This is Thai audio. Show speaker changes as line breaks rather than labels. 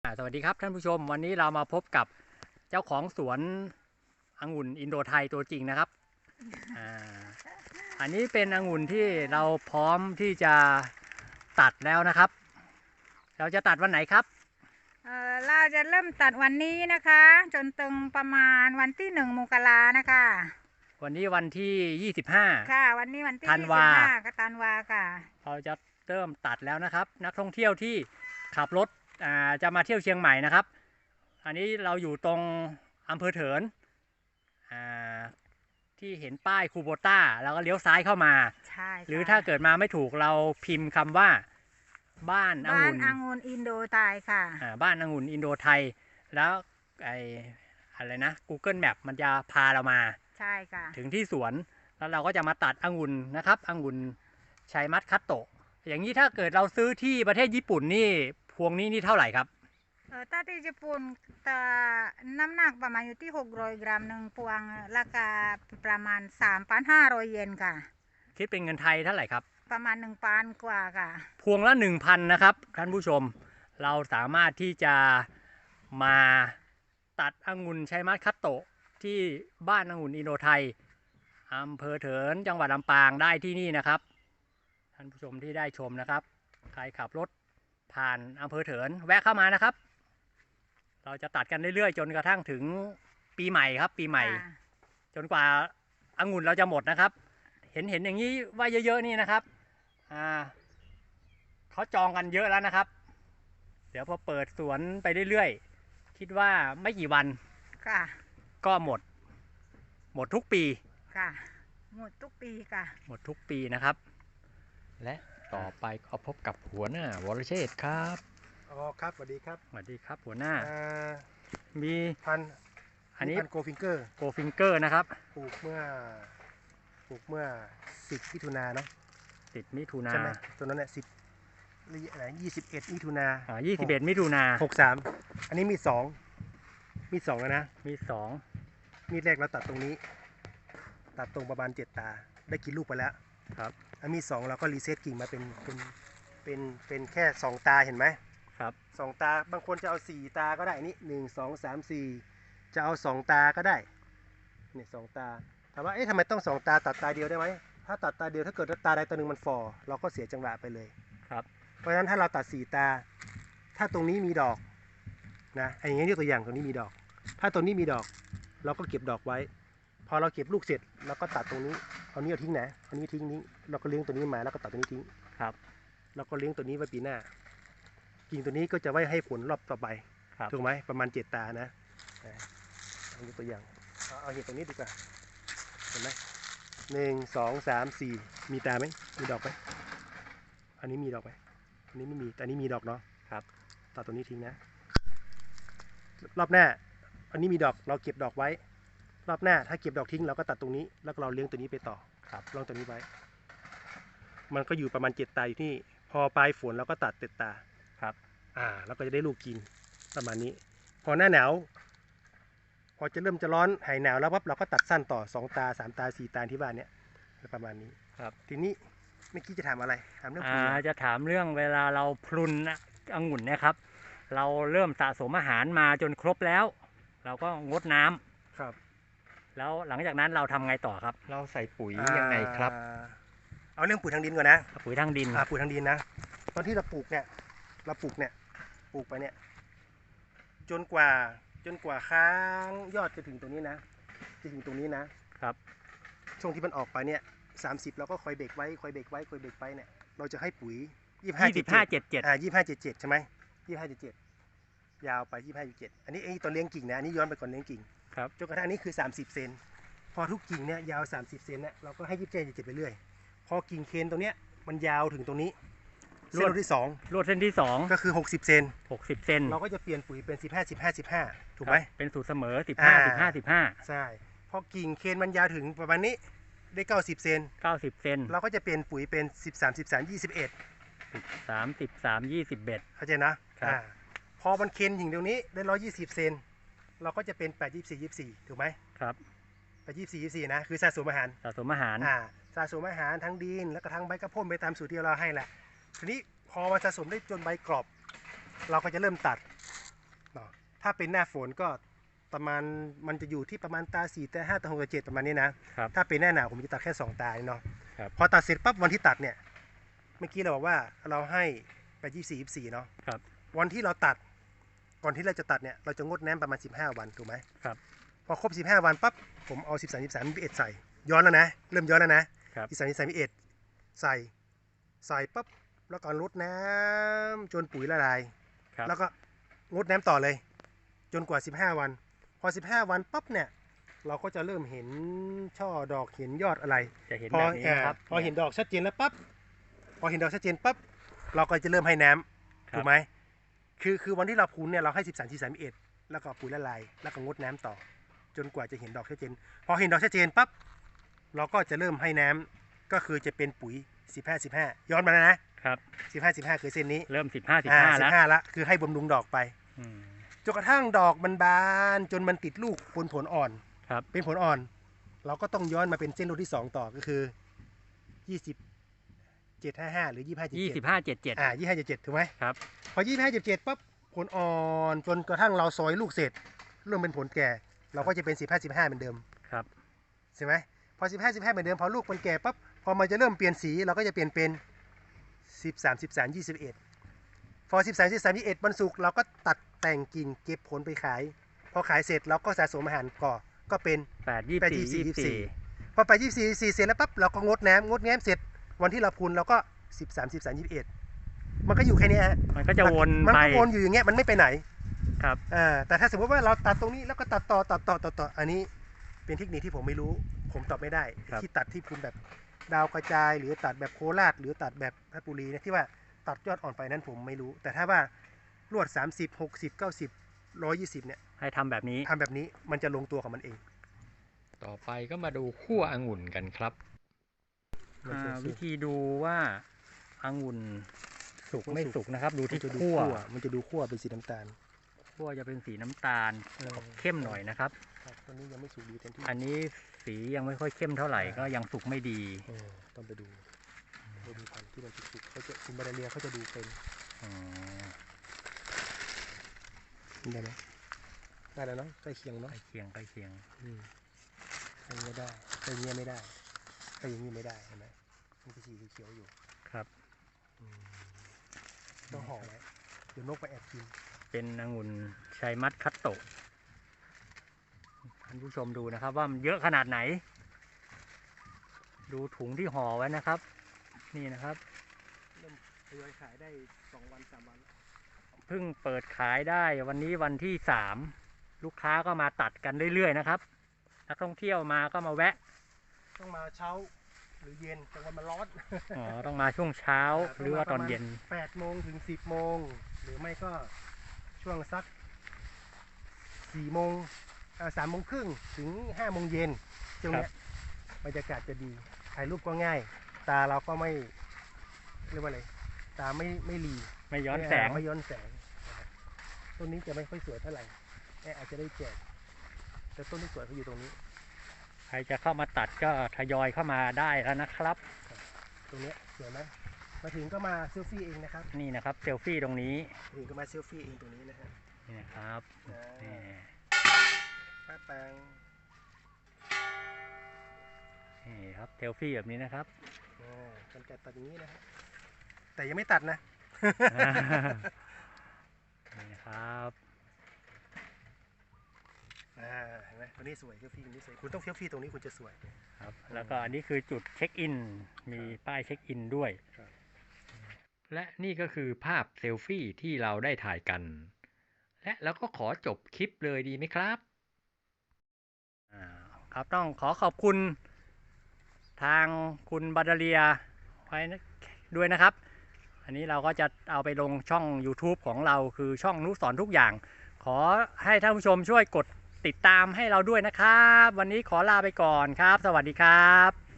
สวัสดีครับท่านผู้ชมวันนี้เรามาพบกับเจ้าของสวนองุ่นอินโดไทยตัวจริงนะครับอ่าอันนี้เป็นองุ่นที่เราพร้อมที่จะตัดแล้วนะครับ เราจะตัดวันไหนครับ
เราจะเริ่มตัดวันนี้นะคะจนถึงประมาณวันที่1 มกรานะคะ
วันนี้วันที่25
ค่ะวันนี้วันที่
ธันวา
25ก็ธันวาค่ะ
เราจะเริ่มตัดแล้วนะครับนักท่องเที่ยวที่ขับรถจะมาเที่ยวเชียงใหม่นะครับอันนี้เราอยู่ตรงอำเภอเถินที่เห็นป้ายคูโบต้าแล้วก็เลี้ยวซ้ายเข้ามา
ใช่
หรือถ้าเกิดมาไม่ถูกเราพิมพ์คำว่าบ้านองุ่น
อินโดไทยค่ะ
บ้านองุ่นอินโดไทยแล้วอะไรนะ Google Map มันจะพาเรามา
ใช่ค่ะ
ถึงที่สวนแล้วเราก็จะมาตัดองุ่นนะครับองุ่นชัยมัดคัตโตะอย่างนี้ถ้าเกิดเราซื้อที่ประเทศญี่ปุ่นนี่พวงนี้นี่เท่าไหร่ครับ
ถ้าที่ญี่ปุ่นน้ำหนักประมาณอยู่ที่600 กรัมหนึ่งพวงราคาประมาณ3,500 เยนค่ะ
คิดเป็นเงินไทยเท่าไหร่ครับ
ประมาณ1,000 กว่าค่ะ
พวงละ 1,000 นะครับท่านผู้ชมเราสามารถที่จะมาตัดองุ่นชัยมัดคัตโตะที่บ้านองุ่นอินโดไทยอำเภอเถินจังหวัดลำปางได้ที่นี่นะครับท่านผู้ชมที่ได้ชมนะครับใครขับรถผ่านอำเภอเถินแวะเข้ามานะครับเราจะตัดกันเรื่อยๆจนกระทั่งถึงปีใหม่ครับปีใหม่จนกว่าองุ่นเราจะหมดนะครับเห็นอย่างนี้ว่าเยอะๆนี่นะครับเขาจองกันเยอะแล้วนะครับเดี๋ยวพอเปิดสวนไปเรื่อยๆคิดว่าไม่กี่วันก็หมดทุกปี
ค่ะหมดทุกปีค่ะ
หมดทุกปีนะครับและต่อไปก็พบกับหัวหน้าวรเชษฐ์ครับ
ครับสวัสดีครับ
สวัสดีครับหัวหน้ามี
อันนี้พันโกฟิงเก
อร์นะครับ
ปลูกเมื่อ10 มิถุนาเนาะ
10 มิถุนา
ใช่ไหมตัวนั้นเนี่ย21 มิถุนา
21 มิถุนา
63อันนี้มี2แล้วนะ
มี
แรกเราตัดตรงนี้ตัดตรงประมาณ7 ตาได้กินลูกไปแล้ว
ครับ
อันมี2เราก็รีเซ็ตกิ่งมาเป็นแค่2 ตาเห็นไหม
ครับ
2 ตาบางคนจะเอา4 ตาก็ได้นี่1 2 3 4จะเอา2 ตาก็ได้เนี่ย2 ตาถามว่าทำไมต้อง2 ตาตัดตาเดียวได้ไหมถ้าตัดตาเดียวถ้าเกิดตาใดตาหนึ่งมันฝ่อเราก็เสียจังหวะไปเลย
ครับ
เพราะฉะนั้นถ้าเราตัด4 ตาถ้าตรงนี้มีดอกนะอย่างนี้ยกตัวอย่างตรงนี้มีดอกถ้าตรงนี้มีดอกเราก็เก็บดอกไว้พอเราเก็บลูกเสร็จเราก็ตัดตรงนี้เอานี้เอาทิ้งนะเอานี้ทิ้งนี้เราก็เลี้ยงตัวนี้มาแล้วก็ตัดตัวนี้ทิ้ง
ครับ
เราก็เลี้ยงตัวนี้ไว้ปีหน้ากิ่งตัวนี้ก็จะไว้ให้ผลรอบต่อไปถูกไหมประมาณ7 ตานะเอาตัวอย่างเอาเห็ดตัวนี้ดีกว่าเห็นไหม1 2 3 4มีตาไหมมีดอกไหมอันนี้มีดอกไหมอันนี้ไม่มีแต่อันนี้มีดอกเนาะ
ครับ
ตัดตัวนี้ทิ้งนะรอบหน้าอันนี้มีดอกเราเก็บดอกไว้รอบหน้าถ้าเก็บดอกทิ้งเราก็ตัดตรงนี้แล้วเราเลี้ยงตัวนี้ไปต่อ
ครับ
ลองตัวนี้ไว้มันก็อยู่ประมาณ7 ตาอยู่ที่พอปลายฝนเราก็ตัด7 ตา
ครับ
เราก็จะได้ลูกกินประมาณนี้พอหน้าหนาวพอจะเริ่มจะร้อนหายหนาวแล้วปั๊บเราก็ตัดสั้นต่อ2 ตา3 ตา4 ตาที่บ้านเนี้ยประมาณนี้
ครับ
ทีนี้เมื่อกี้จะถามอะไรถามเรื่อง
จะถามเรื่องเวลาเราพรุนองุ่นเนี่ยครับเราเริ่มสะสมอาหารมาจนครบแล้วเราก็งดน้
ำครับ
แล้วหลังจากนั้นเราทำไงต่อครับเราใส่ปุ๋ยยังไงครับ
เอาเรื่องปุ๋ยทางดินก่อนนะ
ปุ๋ยทางดิน
ปุ๋ยทางดินนะตอนที่เราปลูกปลูกไปเนี่ยจนกว่าค้างยอดจะถึงตรงนี้นะจะถึงตรงนี้นะครับช่วงที่มันออกไปเนี่ย30เราก็คอยเบรกไว้เนี่ยเราจะให้ปุ๋ย2577ใช่ไหม2577ยาวไป2577อันนี้ตอนเลี้ยงกิ่งนะอันนี้ย้อนไปก่อนเลี้ยงกิ่ง
ครับ
จนกระทั่งนี้คือ30 เซนพอทุกกิ่งเนี่ยยาว30 เซนเนี่ยเราก็ให้27ไปเรื่อยพอกิ่งเคนตรงเนี้ยมันยาวถึงตรงนี้เส้นที่2
ลวดเส้นที่2
ก็คือ60 เซนเราก็จะเปลี่ยนปุ๋ยเป็น15 ถูกไหม
เป็นสูตรเสมอ15
ใช่พอกิ่งเคนมันยาวถึงประมาณนี้ได้90 เซนเราก็จะเปลี่ยนปุ๋ยเป็น13 เข้าใจนะพอมันเคนถึงตรงนี้ได้120 เซนเราก็จะเป็น8 24 ถูกไหม
ครับ
8 24นะคือสะสมอาหารสะสมอาหารทั้งดินแล้วก็ทั้งใบกระพ่นไปตามสูตรที่เราให้แหละทีนี้พอมันสะสมได้จนใบกรอบเราก็จะเริ่มตัดเนาะถ้าเป็นหน้าฝนก็ประมาณมันจะอยู่ที่ประมาณตา4ตา5ตา6ตา7ประมาณนี้นะครับ ถ้าเป็นหน้าหนาวผมจะตัดแค่2ตาเนาะ
ครับ
พอตัดเสร็จปั๊บวันที่ตัดเนี่ยเมื่อกี้เราบอกว่าเราให้ไป24เนาะ
ครับ
วันที่เราตัดก่อนที่เราจะตัดเนี่ยเราจะงดน้ำประมาณ15วันถูกไหม
ครับ
พอครบ15วันปั๊บผมเอา13 13 21ใส่ย้อนแล้วนะเริ่มย้อนแล้วนะครับ 13 13 21ใส่ปั๊บแล้วก็ลดน้ำจนปุ๋ยละลาย
ครับ
แล้วก็งดน้ำต่อเลย จนกว่า15วันพอ15วันปั๊บเนี่ยเราก็จะเริ่มเห็นช่อดอกเห็นยอดอะไร
จะเห็น
พอ
แบบนี้นะครับ
พอเห็นดอกชัดเจนแล้วปั๊บพอเห็นดอกชัดเจนปั๊บเราก็จะเริ่มให้น้ำ
ครับ
ถูกไหมคือวันที่เราพูนเนี่ยเราให้13 13 21แล้วก็ปุ๋ยละลายแล้วก็งดน้ำต่อ จนกว่าจะเห็นดอกชัดเจนพอเห็นดอกชัดเจนปั๊บเราก็จะเริ่มให้น้ำก็คือจะเป็นปุ๋ย15 15ย้อนมาแล้วนะครับ15 15คือเส้นนี้
เริ่ม15 แล้ว
15ละคือให้บำรุงดอกไป
อืม
จนกระทั่งดอกมันบานจนมันติดลูกผลอ่อน
ครับ
เป็นผลอ่อน เราก็ต้องย้อนมาเป็นเส้นรุ่นที่2ต่อก็คือ2755หรือ2577
25 77
2577ถูกไหม
ครับ
พอ2577ปั๊บผลอ่อนจนกระทั่งเราซอยลูกเสร็จเริ่มเป็นผลแก่ เราก็จะเป็น15 15เหมือนเดิม
ครับ
ใช่ไหมพอ15 15เหมือนเดิมพอลูกมันแก่ปั๊บพอมันจะเริ่มเปลี่ยนสีเราก็จะเปลี่ยนเป็น13 13 21พอ13 13 21วันศุกร์เราก็ตัดแต่งกิ่งเก็บผลไปขาย พอขายเสร็จเราก็สะสมอาหารก่อก็เป็น
8 24 24
พอไป24 เสร็จแล้วปั๊บเราก็งดน้ำเสร็จวันที่เราพูนเราก็13 13 21มันก็อยู่แค่นี้ฮะ
มันก็จะวน
มัน
ไป
ก็วนอยู่อย่างเงี้ยมันไม่ไปไหน
ครับ
แต่ถ้าสมมติว่าเราตัดตรงนี้แล้วก็ตัดต่ออันนี้เป็นเทคนิคที่ผมไม่รู้ผมตอบไม่ได้
ครับ
ที่ตัดที่พูนแบบดาวกระจายหรือตัดแบบโคราชหรือตัดแบบเพชรบุรีนะที่ว่าตัดยอดอ่อนไปนั้นผมไม่รู้ แต่ถ้าว่าลวด30 60 90 120เนี่ย
ให้ทำแบบนี้
ทำแบบนี้มันจะลงตัวของมันเอง
ต่อไปก็มาดูคั่วองุ่นกันครับ
วิธีดูว่าองุ่นสุก
ไม่
ไม่
สุก
สุกนะครับ ดู
มัน
ที่
จะดู
คั่ว
มันจะดูคั่วเป็นสีน้ำตาล
คั่วจะเป็นสีน้ำตาลออกเข้มหน่อยนะครับ
ครับตัวนี้ยังไม่สุกดีเต็มที่
อันนี้สียังไม่ค่อยเข้มเท่าไหร่ก็ยังสุกไม่ดี
ต้องไปดูพันธุ์ที่มันสุกเขาจะคุณบาดาเลียเขาจะดูเป็น
อ๋อ
ได้ไหมได้แล้วเนาะใกล้เคียง
ใก
เนาะ
ล้เคียงใกล้เคียง
ใกล้เงี้ยได้ใกล้เงี้ยไม่ได้ใกล้อย่างงี้ไม่ได้เห็นไหมมันจะสีเขียวอยู่
ครับ
ต้องห่อไว้เดี๋ยวนกไปแอบกิน
เป็นองุ่นชัยมัดคัตโตะท่านผู้ชมดูนะครับว่ามันเยอะขนาดไหน ดูถุงที่ห่อไว้นะครับ นี่นะครับ
เริ่มทยอยขายได้2 วัน 3 วัน
เพิ่งเปิดขายได้วันนี้วันที่3ลูกค้าก็มาตัดกันเรื่อยๆนะครับนักท่องเที่ยวมาก็มาแวะ
ต้องมาเช้าหรือเย็นกลางวันมันร้อน
อ๋อต้องมาช่วงเช้าหรือว่าตอนเย็น
8 โมงถึง 10 โมงหรือไม่ก็ช่วงสัก4 โมง3 โมงครึ่งถึง 5 โมงเย็นช่วงเนี้ยบรรยากาศจะดีถ่ายรูปก็ง่าย ตาเราก็ไม่เรียกว่าอะไรตาไม่หลี
ไม่ย้อนแสง
ไม่ย้อนแสงนะครับต้นนี้จะไม่ค่อยสวยเท่าไหร่อาจจะได้แจกแต่ต้นที่สวยเขาอยู่ตรงนี้
ใครจะเข้ามาตัดก็ทยอยเข้ามาได้แล้วนะครับ
ตรงเนี้ยสวยไหมมาถึงก็มาเซลฟี่เองนะครับ
นี่นะครับเซลฟี่ตรงนี้
มาถึงก็มาเซลฟี่เองตรงนี้นะฮะ
นี่นะครับนี่
ป้าแปง
นี่ครับเซลฟี่แบบนี้นะครับ
กันไกรตัดอย่างนี้นะฮะแต่ยังไม่ตัดนะ
นี่นะครับ
เห็นไหมตัวนี้สวยเซลฟี่ตรงนี้สวยคุณต้องเซลฟี่ตรงนี้คุณจะสวย
ครับแล้วก็อันนี้คือจุดเช็คอินมีป้ายเช็คอินด้วย
และนี่ก็คือภาพเซลฟี่ที่เราได้ถ่ายกัน และเราก็ขอจบคลิปเลยดีไหมครับ
ครับต้องขอขอบคุณทางคุณบาดาเลียไว้ด้วยนะครับ อันนี้เราก็จะเอาไปลงช่อง YouTube ของเราคือช่องนุสรทุกอย่าง ขอให้ท่านผู้ชมช่วยกดติดตามให้เราด้วยนะครับ วันนี้ขอลาไปก่อนครับ สวัสดีครับ